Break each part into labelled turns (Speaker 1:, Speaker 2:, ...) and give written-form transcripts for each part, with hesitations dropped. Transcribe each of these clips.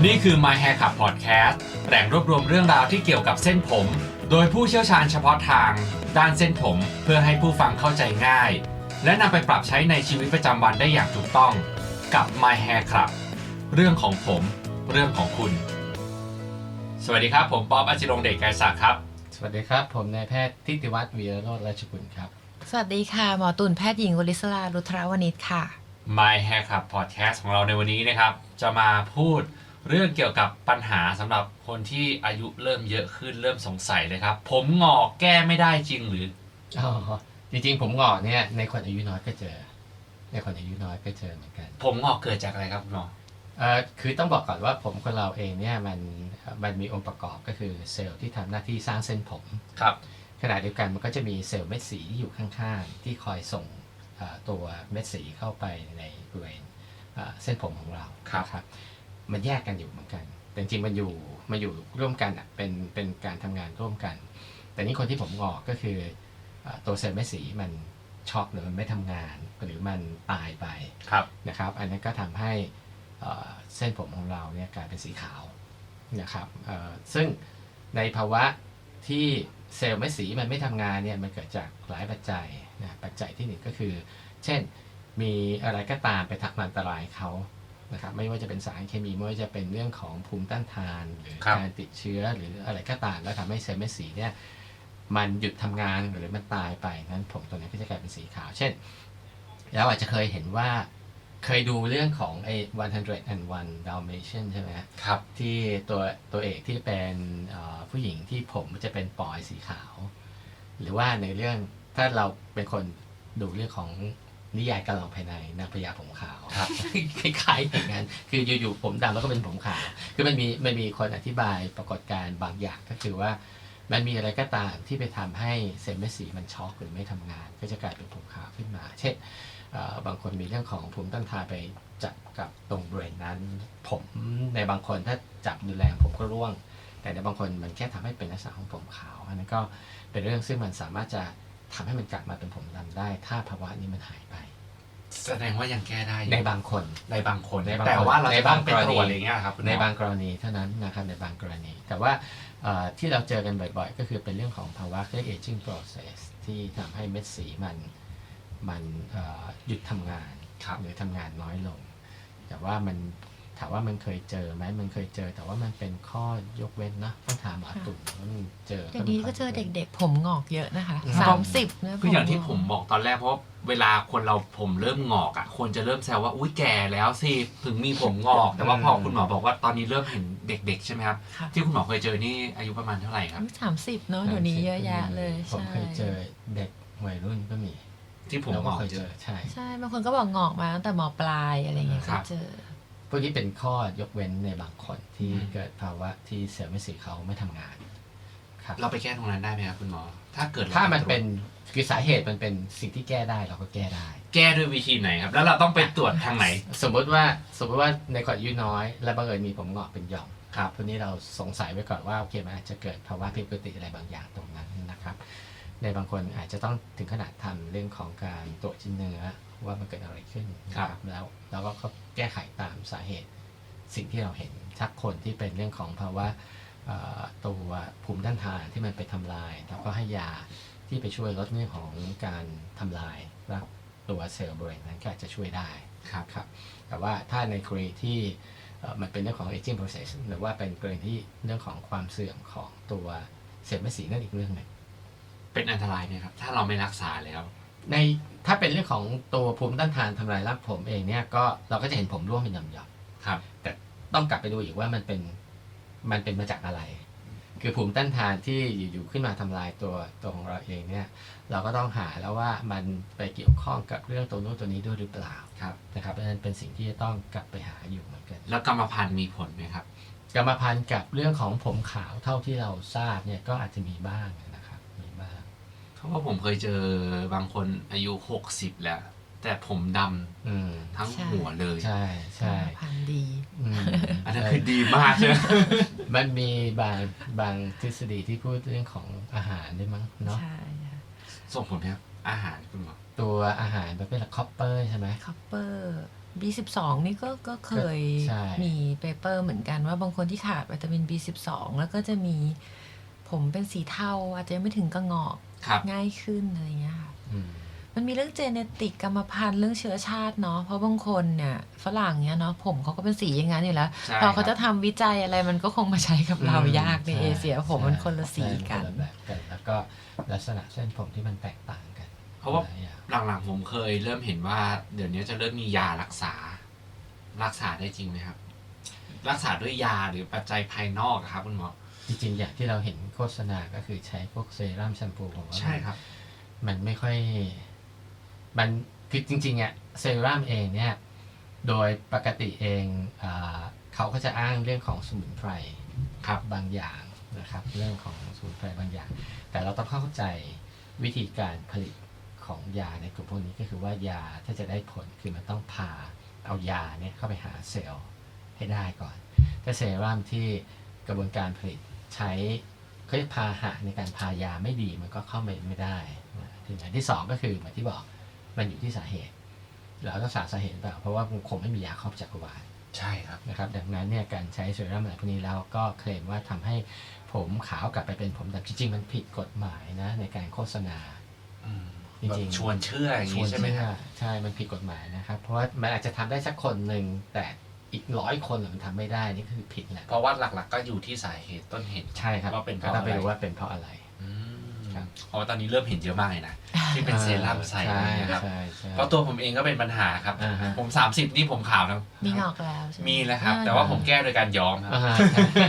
Speaker 1: นี่คือ My Hair Club Podcast แหล่งรวบรวมเรื่องราวที่เกี่ยวกับเส้นผม โดยผู้เชี่ยวชาญเฉพาะทางด้านเส้นผมเพื่อให้ผู้ฟังเข้าใจง่าย และนำไปปรับใช้ในชีวิตประจำวันได้อย่างถูกต้องกับ My Hair Club เรื่องของผมเรื่องของคุณสวัสดีครับผมป๊อบ อจิรงค์เดช ไกรศักดิ์ครับ
Speaker 2: สวัสดีครับผมนายแพทย์ทิติวัฒน์วีระโรจน์ราชกุลครับ
Speaker 3: สวัสดีค่ะหมอตุ่นแพทย์หญิงวลิศรารุทรวณิชค่ะ
Speaker 1: My Hair Club Podcast ของเราในวันนี้นะครับจะมาพูดเรื่องเกี่ยวกับปัญหาสำหรับคนที่อายุเริ่มเยอะขึ้นเริ่มสงสัยเลยครับผมงอกแก้ไม่ได้จริงหรือ
Speaker 2: จริงๆผมงอกเนี่ยในคนอายุน้อยก็เจอในคนอายุน้อยก็เจอเหมือนกัน
Speaker 1: ผมงอกเกิดจากอะไรครับคุณหมอ
Speaker 2: คือต้องบอกก่อนว่าผมคนเราเองเนี่ยมันมีองค์ประกอบก็คือเซลล์ที่ทำหน้าที่สร้างเส้นผม
Speaker 1: ครับ
Speaker 2: ขณะเดียวกันมันก็จะมีเซลล์เม็ดสีอยู่ข้างๆที่คอยส่งตัวเม็ดสีเข้าไปในบริเวณเส้นผมของเราครับมันแยกกันอยู่เหมือนกันแต่จริงๆมันอยู่ร่วมกันอ่ะเป็นการทำงานร่วมกันแต่นี่คนที่ผมงอกก็คือตัวเซลล์เม็ดสีมันช็อกหรือมันไม่ทำงานหรือมันตายไปนะครับอันนั้นก็ทำให้เส้นผมของเราเนี่ยกลายเป็นสีขาวนะครับซึ่งในภาวะที่เซลล์เม็ดสีมันไม่ทำงานเนี่ยมันเกิดจากหลายปัจจัยนะปัจจัยที่หนึ่งก็คือเช่นมีอะไรก็ตามไปทำอันตรายเขานะครับไม่ว่าจะเป็นสารเคมีไม่ว่าจะเป็นเรื่องของภูมิต้านทานหรือการติดเชื้อหรืออะไรก็ตามแล้วทำให้เซลล์เม็ดสีเนี่ยมันหยุดทำงานหรือมันตายไปนั้นผมตัวนี้ก็จะกลายเป็นสีขาวเช่นเราอาจจะเคยเห็นว่าเคยดูเรื่องของไอ้101 Dalmatian ใช่ไหม
Speaker 1: ครับ
Speaker 2: ที่ตัวเอกที่เป็นผู้หญิงที่ผมจะเป็นปลอยสีขาวหรือว่าในเรื่องถ้าเราเป็นคนดูเรื่องของนิยายการลองภายในนางพญาผมขาวคล้ายๆอย่างนั้นคืออยู่ๆผมดำแล้วก็เป็นผมขาวคือมันมีคนอธิบายปรากฏการณ์บางอย่างก็คือว่ามันมีอะไรก็ตามที่ไปทำให้เซลล์เม็ดสีมันช็อกหรือไม่ทำงานก็จะกลายเป็นผมขาวขึ้นมาเช่นบางคนมีเรื่องของภูมิต้านทานไปจับกับตรงบริเวณนั้นผมในบางคนถ้าจับดูแรงผมก็ร่วงแต่ในบางคนมันแค่ทำให้เป็นลักษณะของผมขาวอันนั้นก็เป็นเรื่องซึ่งมันสามารถจะทำให้มันกลับมาเป็นผมดำได้ถ้าภาวะนี้มันหายไป
Speaker 1: แสดงว่ายังแก้ได้
Speaker 2: ในบางคน
Speaker 1: แต่ว่าเราจะต้องไปตรวจอะไรเงี้ยครับ
Speaker 2: ในบางกรณีเท่านั้นนะครับในบางกรณีแต่ว่าที่เราเจอกันบ่อยๆก็คือเป็นเรื่องของภาวะเรียก aging process ที่ทำให้เม็ดสีมันหยุดทำงานหรือทำงานน้อยลงแต่ว่ามันถามว่ามันเคยเจอไหมมันเคยเจอแต่ว่ามันเป็นข้อยกเว้นนะต้องถามหมอตุ่มว่ามันเจอ
Speaker 3: แต่นี้ก็เจอเด็กๆผมงอกเยอะนะคะ30เนี่ย
Speaker 1: คืออย่างที่ผมบอกตอนแรกเพราะเวลาคนเราผมเริ่มงอกอ่ะคนจะเริ่มแซวว่าอุ้ยแก่แล้วสิถึงมีผมงอกแต่ว่าพอคุณหมอบอกว่าตอนนี้เริ่มเห็นเด็กๆใช่ไหมครับที่คุณหมอเคยเจอนี่อายุประมาณเท่าไหร่ครับ
Speaker 3: 30เนาะเดี๋ยวนี้เยอะแยะเลย
Speaker 2: ผมเคยเจอเด็กวัยรุ่นก็มี
Speaker 1: ที่ผมงอกเจอ
Speaker 3: ใช่บางคนก็บอกงอกมาตั้งแต่ม.ปลายอะไรเงี้ยก็เจอ
Speaker 2: พวกนี้เป็นข้อยกเว้นในบางคนที่เกิดภาวะที่เซลล์เม็ดสีเขาไม่ทำงาน
Speaker 1: ครับเราไปแก้ตรงนั้นได้ไหมครับคุณหมอ
Speaker 2: ถ้ามันเป็นคือสาเหตุมันเป็นสิ่งที่แก้ได้เราก็แก้ได้
Speaker 1: แก้ด้วยวิธีไหนครับแล้วเราต้องไปตรวจทางไหน
Speaker 2: สมมติว่าในคนอายุน้อยและบังเอิญมีผมงอกเป็นหย่อมครับพวกนี้เราสงสัยไว้ก่อนว่าโอเคมันอาจจะเกิดภาวะผิดปกติอะไรบางอย่างตรงนั้นนะครับในบางคนอาจจะต้องถึงขนาดทำเรื่องของการตรวจชิ้นเนื้อว่ามันเกิดอะไรขึ้นครับแล้วเราก็แก้ไขตามสาเหตุสิ่งที่เราเห็นถ้าคนที่เป็นเรื่องของภาวะตัวภูมิต้านทานที่มันไปทำลายเราก็ให้ยาที่ไปช่วยลดเรื่องของการทำลายตัวเซลล์บริเวณนั้นก็อาจจะช่วยได้ครับแต่ว่าถ้าในกรณีที่มันเป็นเรื่องของ aging process หรือว่าเป็นกรณีที่เรื่องของความเสื่อมของตัวเซลล์เม็ดสีนั่นอีกเรื่องหนึ่ง
Speaker 1: เป็นอันตรายไหมครับถ้าเราไม่รักษาแล้ว
Speaker 2: ถ้าเป็นเรื่องของตัวภูมิต้านทานทำลายรากผมเองเนี่ยก็เราก็จะเห็นผมร่วงเป็นหย่อม
Speaker 1: ๆครับ
Speaker 2: แต่ต้องกลับไปดูอีกว่ามันเป็นมาจากอะไรคือภูมิต้านทานที่อยู่ขึ้นมาทำลายตัวของเราเองเนี่ยเราก็ต้องหาแล้วว่ามันไปเกี่ยวข้องกับเรื่องตัวนู้นตัวนี้ด้วยหรือเปล่านะครับเพราะฉะนั้นเป็นสิ่งที่จะต้องกลับไปหาอยู่เหมือนกัน
Speaker 1: แล้วกรรมพันธุ์มีผลไหมครับ
Speaker 2: กรรมพันธุ์กับเรื่องของผมขาวเท่าที่เราทราบเนี่ยก็อาจจะมีบ้างนะครับมีบ้าง
Speaker 1: เพราะว่าผมเคยเจอบางคนอายุ60แล้วแต่ผมดำทั้งหัวเลย
Speaker 2: ใช่
Speaker 3: พันดี
Speaker 1: อันนั้นคือดีมากใช่ไหม
Speaker 2: มันมีบางทฤษฎีที่พูดเรื่องของอาหารด้วยมั้งเนาะ
Speaker 3: ใช่
Speaker 1: ส่งผลไหมครับอาหารคุณหมอ
Speaker 2: ตัวอาหารมันเป็นคอปเปอร์ใช่ไหม
Speaker 3: คอปเปอร์ B12 นี่ก็เคย
Speaker 2: ใช่
Speaker 3: มีเปเปอร์เหมือนกันว่าบางคนที่ขาดวิตามิน B12 แล้วก็จะมีผมเป็นสีเทาอาจจะยังไม่ถึงกระงอก
Speaker 1: ครับ
Speaker 3: ง่ายขึ้นอะไรเงี้ยค่ะ
Speaker 2: อืม
Speaker 3: มันมีเรื่องเจเนติกกรรมพันธุ์เรื่องเชื้อชาติเนาะเพราะบางคนเนี่ยฝรั่งเนี้ยเนาะผมเขาก็เป็นสีอย่างนั้นอยู่แล้ว
Speaker 1: ใช่
Speaker 3: พอเขา
Speaker 1: ครับ
Speaker 3: จะทำวิจัยอะไรมันก็คงมาใช้กับเรายากใน
Speaker 2: ใช่
Speaker 3: เอเชียผมมันคนละสี
Speaker 2: ใช่
Speaker 3: กัน
Speaker 2: คนละแบบกัน แล้วก็ลักษณะเส้นผมที่มันแตกต่างกัน
Speaker 1: เพราะว่า
Speaker 2: หลยอย่าง
Speaker 1: หลังๆผมเคยเริ่มเห็นว่า เดี๋ยวนี้จะเริ่มมียารักษาได้จริงไหมครับ รักษาด้วยยาหรือปัจจัยภายนอกอะครับคุณหมอ
Speaker 2: จริงๆอย่างที่เราเห็นโฆษณาก็คือใช้พวกเซรั่มแชมพูผมว่า
Speaker 1: ใช่ครับ
Speaker 2: มันไม่ค่อยมันคือจริงๆอ่ะเซรั่มเองเนี่ยโดยปกติเองเขาก็จะอ้างเรื่องของสมุนไพร
Speaker 1: ครับ
Speaker 2: บางอย่างนะครับเรื่องของสมุนไพรบางอย่าง แต่เราต้องเข้าใจวิธีการผลิตของยาในกลุ่มพวกนี้ก็คือว่ายาถ้าจะได้ผลคือมันต้องพาเอายาเนี่ยเข้าไปหาเซลล์ให้ได้ก่อน ถ้าเซรั่มที่กระบวนการผลิตใช้เขาเรียกพาหะในการพายาไม่ดีมันก็เข้าไปไม่ได้นะทีนี้ที่สองก็คือเหมือนที่บอกมันอยู่ที่สาเหตุเราต้องสาเหตุเปล่าเพราะว่ามันคงไม่มียาครอบจักรวาล
Speaker 1: ใช่ครับ
Speaker 2: นะครับดังนั้นเนี่ยการใช้เซรั่มอะไรพวกนี้แล้วก็เคลมว่าทำให้ผมขาวกลับไปเป็นผมดำจริงๆมันผิดกฎหมายนะในการโฆษณา จริงๆ
Speaker 1: แบบชวนเชื่ออย่างนี้ใช่ไหมครับ
Speaker 2: ใช่มันผิดกฎหมายนะครับเพราะว่ามันอาจจะทำได้สักคนหนึ่งแต่อีก100 คนมันทำไม่ได้นี่คือผิดแหละ
Speaker 1: เพราะว่าหลักๆก็อยู่ที่สาเหตุต้นเหตุ
Speaker 2: ใช่ครับ
Speaker 1: ว่าเป็นเพ
Speaker 2: ก็
Speaker 1: ราะ
Speaker 2: ต้อง
Speaker 1: อะ
Speaker 2: ไป
Speaker 1: ไร
Speaker 2: ดูว่าเป็นเพราะอะไร
Speaker 1: อืม
Speaker 2: ครับ
Speaker 1: เพราะว่าตอนนี้เริ่มเห็นเยอะมากเลยนะ ที่เป็นเซรั่มใส่
Speaker 2: ใช่
Speaker 1: นะครับ
Speaker 2: ใช่ใช่
Speaker 1: เพราะตัวผมเองก็เป็นปัญหาครับ
Speaker 2: อ่าฮะ
Speaker 1: ผม30นี่ผมขาวทั้ง
Speaker 3: มีงอกแล้วใช่ไหม
Speaker 1: มีแล้วครับ แต่ว่าผมแก้โดยการย้อมครับ
Speaker 2: อ่าฮะ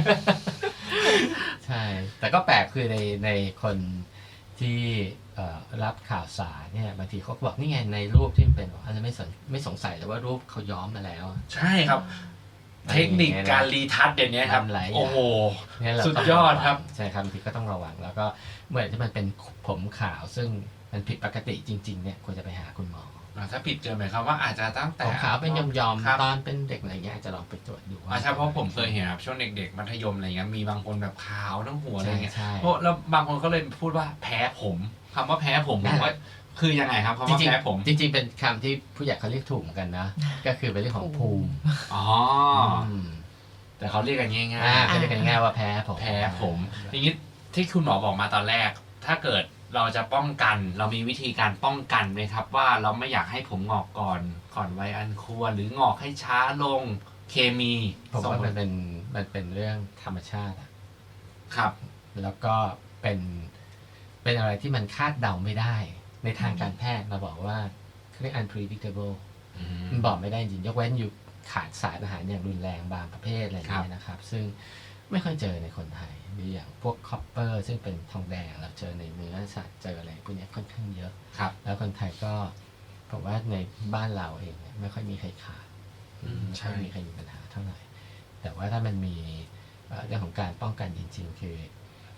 Speaker 2: ใช่ แต่ก็แปลกคือในคนที่รับข่าวสารเนี่ยบางทีเขาก็บอกนี่ไงในรูปที่มันเป็นอันนั้นไม่สงสัยเลยว่ารูปเขาย้อมมาแล้ว
Speaker 1: ใช่ครับ เทคนิคการรีทัชเดี๋ยวนี้ครับ
Speaker 2: มันหลายอย่าง
Speaker 1: โอ้โห
Speaker 2: เนี่ยเรา
Speaker 1: สุด
Speaker 2: ต้อง
Speaker 1: ยอดครับ
Speaker 2: ใช่ครับบางทีก็ต้องระวังแล้วก็เมื่อที่มันเป็นผมขาวซึ่งมันผิดปกติจริงๆเนี่ยควรจะไปหาคุณหมอ
Speaker 1: ถ้าผิดเกินหมายความว่าอาจจะตั้งแต่
Speaker 2: ผมขาวเป็นยอม
Speaker 1: ครับ
Speaker 2: ๆตอนเป็นเด็กอะไรเงี้ยอาจจะลองไปตรวจดูว่า
Speaker 1: ใช่เพราะผมเคยเห็นครับช่วงเด็กๆมัธยมอะไรเงี้ยมีบางคนแบบขาวทั้งหัวอะไรเงี้ย
Speaker 2: ใช่
Speaker 1: เพราะแล้วบางคนก็เลยพูดว่าแพ้ผมคำว่าแพ้ผมผมว่าคือยังไงครับคำ
Speaker 2: จ
Speaker 1: ว่า
Speaker 2: ริง
Speaker 1: แพ้ผม
Speaker 2: ๆจริงๆเป็นคำที่ผู้ใหญ่เขาเรียกถูกเหมือนกันนะ ก็คือเป็นเรื่องของภูมิ
Speaker 1: อ๋อ
Speaker 2: ม
Speaker 1: แต่เขาเรียกกันง่าย
Speaker 2: เขาเรียกกันง่ายๆว่าแพ้ผม
Speaker 1: ๆแพ้ผมทีนี้ที่คุณหมอบอกมาตอนแรก ถ้าเกิดเราจะป้องกันเรามีวิธีการป้องกันไหมครับ ว่าเราไม่อยากให้ผมงอกก่อนวัยอันควรหรืองอกให้ช้าลงเคมี
Speaker 2: ผมว่ามันเป็นเรื่องธรรมชาติอะ
Speaker 1: ครับ
Speaker 2: แล้วก็เป็นอะไรที่มันคาดเดาไม่ได้ ในทางการแพทย์เราบอกว่าเขาเรียก unpredictable มันบอกไม่ได้จริงยกเว้นอยู่ขาดสารอาหารอย่างรุนแรงบางประเภทอะไรอย่างเงี้ยนะครับ ซึ่งไม่ค่อยเจอในคนไทยมีอย่างพวกคอปเปอร์ซึ่งเป็นทองแดงเราเจอในเนื้อสัตว์เจออะไรพวกเนี้ยค่อนข้างเยอะ
Speaker 1: ครับ
Speaker 2: แล้วคนไทยก็ผมว่าในบ้านเราเองเนี่ยไม่ค่อยมีใครขาด ไม่ค่อยมีใครมีปัญหาเท่าไหร่ แต่ว่าถ้ามันมีเรื่องของการป้องกันจริงๆ คือ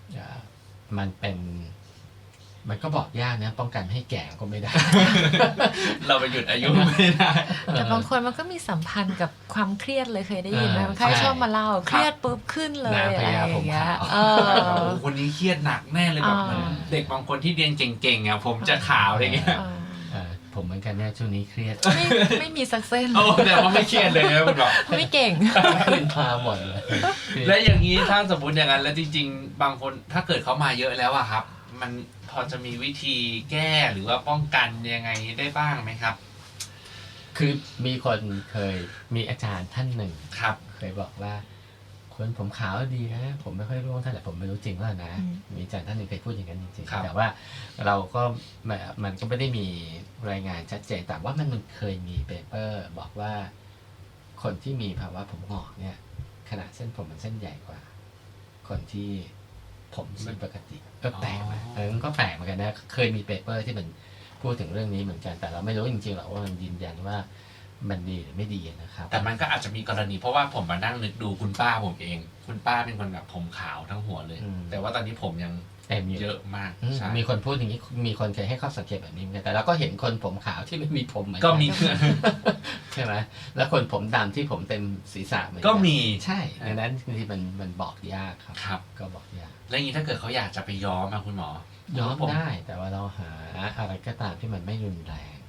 Speaker 2: มันก็บอกยากนะป้องกันไม่ให้แก่ก็ไม่ได้
Speaker 1: เราไปหยุดอายุไม่ได้
Speaker 3: แต่บางคนมันก็มีสัมพันธ์กับความเครียดเลยเคยได้ยินไหม
Speaker 2: อ่า
Speaker 3: คนไข้
Speaker 2: ใช่
Speaker 3: ชอบมาเล่าเครียดปุ๊บขึ้นเลย
Speaker 2: นาง
Speaker 3: อะไร
Speaker 2: พ
Speaker 3: อ
Speaker 2: ญา
Speaker 3: ย่าง
Speaker 2: ผม
Speaker 3: เงี้ย
Speaker 2: ขาว
Speaker 3: เอ
Speaker 1: โอ้
Speaker 3: อ
Speaker 1: โหคนนี้เครียดหนักแน่เลยแบบ
Speaker 3: อ่า
Speaker 1: เหมือนเด็กบางคนที่เรียนเก่งๆอ่ะผมจะขาวอะไรเงี้ย
Speaker 2: ผมเหมือนกันเนี่ยช่วงนี้เครียด
Speaker 3: ไม่มีสักเส้น
Speaker 1: โอ้แต่ว่าไม่เครียดเลยนะคุณบอก
Speaker 3: ไม่เก่ง
Speaker 2: ขึ้นมาหมดเลยคือ
Speaker 1: และอย่างนี้ถ้าสมมติอย่างนั้นแล้วจริงๆ บางคนถ้าเกิดเขามาเยอะแล้วอะครับ มันพอจะมีวิธีแก้หรือว่าป้องกันยังไงได้บ้างไหมครับ
Speaker 2: คือมีคนเคยมีอาจารย์ท่านหนึ่ง
Speaker 1: ครับ
Speaker 2: เคยบอกว่าคนผมขาวดีนะผมไม่ค่อยร่วงเท่าไหร่ผมไม่รู้จริงว่านะ
Speaker 3: อืม
Speaker 2: มีอาจารย์ท่านหนึ่งเคยพูดอย่างนั้นจริง
Speaker 1: ครับ
Speaker 2: ๆแต่ว่าเราก็มันก็ไม่ได้มีรายงานชัดเจนแต่ว่ามันเคยมีเปเปอร์บอกว่าคนที่มีภาวะผมงอกเนี่ยขนาดเส้นผมมันเส้นใหญ่กว่า คนที่ผมไม่ปกติก็แปลกนะมันก็แปลกเหมือนกันนะเคยมีเปเปอร์ที่มันพูดถึงเรื่องนี้เหมือนกันแต่เราไม่รู้จริงๆหรอกว่ามันยืนยันว่ามันดีหรือไม่ดีนะครับ
Speaker 1: แต่มันก็อาจจะมีกรณีเพราะว่าผมมานั่งนึกดูคุณป้าผมเอง คุณป้าเป็นคนแบบผมขาวทั้งหัวเลย แต่ว่าตอนนี้ผมยัง
Speaker 2: เต็มอยู่
Speaker 1: เยอะมาก
Speaker 2: อืม
Speaker 1: ใช่
Speaker 2: มีคนพูดอย่างนี้มีคนเคยให้ข้อสังเกตแบบนี้เหมือนกันแต่เราก็เห็นคนผมขาวที่ไม่มีผมเหมือน
Speaker 1: ก็
Speaker 2: กัน
Speaker 1: มี
Speaker 2: ใช่ไหมแล้วคนผมดำที่ผมเต็มศีรษะเหมือนน
Speaker 1: ก็มี
Speaker 2: ใช่ดังนั้นบางทีมันบอกยากครับ
Speaker 1: ครับ
Speaker 2: ก็บอกยาก
Speaker 1: แล้วอย่างนี้ถ้าเกิดเขาอยากจะไปย้อมอะคุณหมอ
Speaker 2: ย้อม
Speaker 1: ผม
Speaker 2: ได้แต่ว่าเราหาอะไรก็ตามที่มันไม่รุนแรง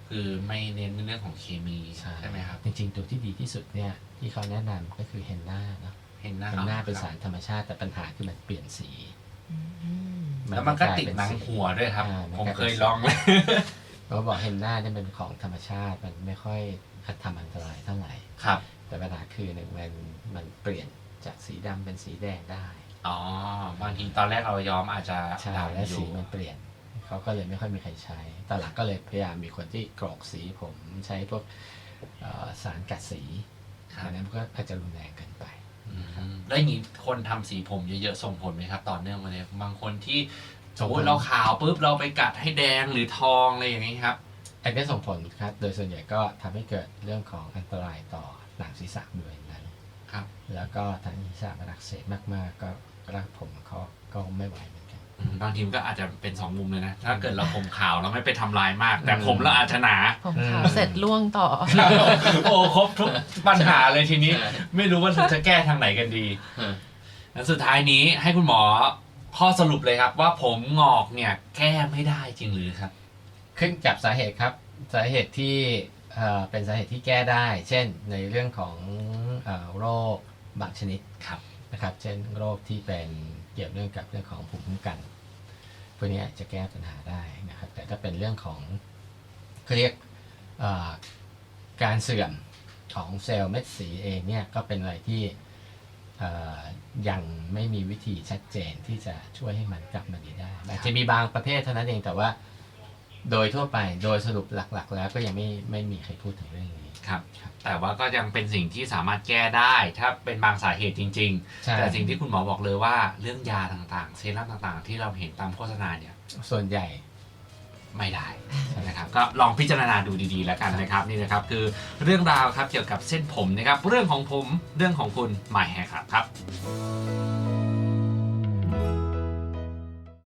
Speaker 1: คือไม่เน้นในเรื่องของเคมีใช่ไหมครับ
Speaker 2: จริงๆตัวที่ดีที่สุดเนี่ยที่เขาแนะนำก็คือเฮนน่าเนาะ
Speaker 1: เห็นหน้า
Speaker 2: เฮนน่าเป็น
Speaker 1: ครับ
Speaker 2: สารธรรมชาติแต่ปัญหาคือมันเปลี่ยนสี
Speaker 3: อืม
Speaker 1: แล้วมันก็ติดหนังหัวด้วยครับ ผมเคยลองเลย
Speaker 2: เขาบอกเฮนน่าเนี่ยเป็นของธรรมชาติมันไม่ค่อยทำอันตรายเท่าไหร่
Speaker 1: ครับ
Speaker 2: แต่ปัญหาคือหนึ่งมันเปลี่ยนจากสีดำเป็นสีแดงได้
Speaker 1: อ๋อ บางทีตอนแรกเราย้อมอาจจะ
Speaker 2: ใช่
Speaker 1: ดำ
Speaker 2: และ
Speaker 1: อ
Speaker 2: สี
Speaker 1: ยู่
Speaker 2: มันเปลี่ยนเขาก็เลยไม่ค่อยมีใครใช้ตอนหลังก็เลยพยายามมีคนที่กรอกสีผมใช้พวกสารกัดสี
Speaker 1: ครับ
Speaker 2: อันนั้นก็อาจจะรุนแรงเกินไป
Speaker 1: แล้วอย่างนี้คนทำสีผมเยอะๆส่งผลไหมครับต่อเนื่องมาเลยบางคนที่ส
Speaker 2: ส่
Speaker 1: ม
Speaker 2: ง
Speaker 1: ม
Speaker 2: ผล
Speaker 1: ติเราขาวปุ๊บเราไปกัดให้แดงหรือทองอะไรอย่างนี้ครับ
Speaker 2: อันนี้ส่งผลครับ โดยส่วนใหญ่ก็ทำให้เกิดเรื่องของอันตรายต่อหนังศีรษะด้วยนั้น
Speaker 1: ครับ
Speaker 2: แล้วก็ทางศีรษะมันอักเสบมากๆ ก็รากผมเขาก็ไม่ไหวเหมือนกัน
Speaker 1: บางทีมก็อาจจะเป็น2 มุมเลยนะ ถ้าเกิดเราผมขาวเราไม่ไปทำลายมาก แต่ผมเราอาจจะหนา
Speaker 3: ผมขาวเสร็จล่วงต่อ
Speaker 1: โอ้ครบทุกปัญหาเลยทีนี้
Speaker 2: ใช่
Speaker 1: ไม่รู้ว่าจะแก้ทางไหนกันดีแล้วสุดท้ายนี้ให้คุณหมอข้อสรุปเลยครับ ว่าผมงอกเนี่ยแก้ไม่ได้จริงหรือครับ
Speaker 2: ขึ้นกับสาเหตุครับ สาเหตุที่เป็นสาเหตุที่แก้ได้ เช่นในเรื่องของโรคบางชนิด
Speaker 1: ครับ
Speaker 2: นะครับ เช่นโรคที่เป็นเกี่ยวเนื่องกับเรื่องของภูมิคุ้มกันพวกนี้จะแก้ปัญหาได้นะครับ แต่ถ้าเป็นเรื่องของเขาเรียกการเสื่อมของเซลล์เม็ดสีเองเนี่ยก็เป็นอะไรที่ยังไม่มีวิธีชัดเจนที่จะช่วยให้มันกลับมาดีได้อาจจะมีบางประเภทเท่านั้นเองแต่ว่าโดยทั่วไปโดยสรุปหลักๆ แล้วก็ยังไม่มีใครพูดถึงเรื่องนี้
Speaker 1: ครับ แต่ว่าก็ยังเป็นสิ่งที่สามารถแก้ได้ ถ้าเป็นบางสาเหตุจริง
Speaker 2: ใช่
Speaker 1: ๆ แต่สิ่งที่คุณหมอบอกเลยว่าเรื่องยาต่างๆ เซรั่มต่างๆ ที่เราเห็นตามโฆษณาเนี่ย
Speaker 2: ส่วนใหญ่
Speaker 1: ไม่ได้นะครับก็ลองพิจารณาดูดีๆแล้วกันนะครับนี่นะครับคือเรื่องราวครับเกี่ยวกับเส้นผมนะครับเรื่องของผมเรื่องของคุณ My Haircut ครับ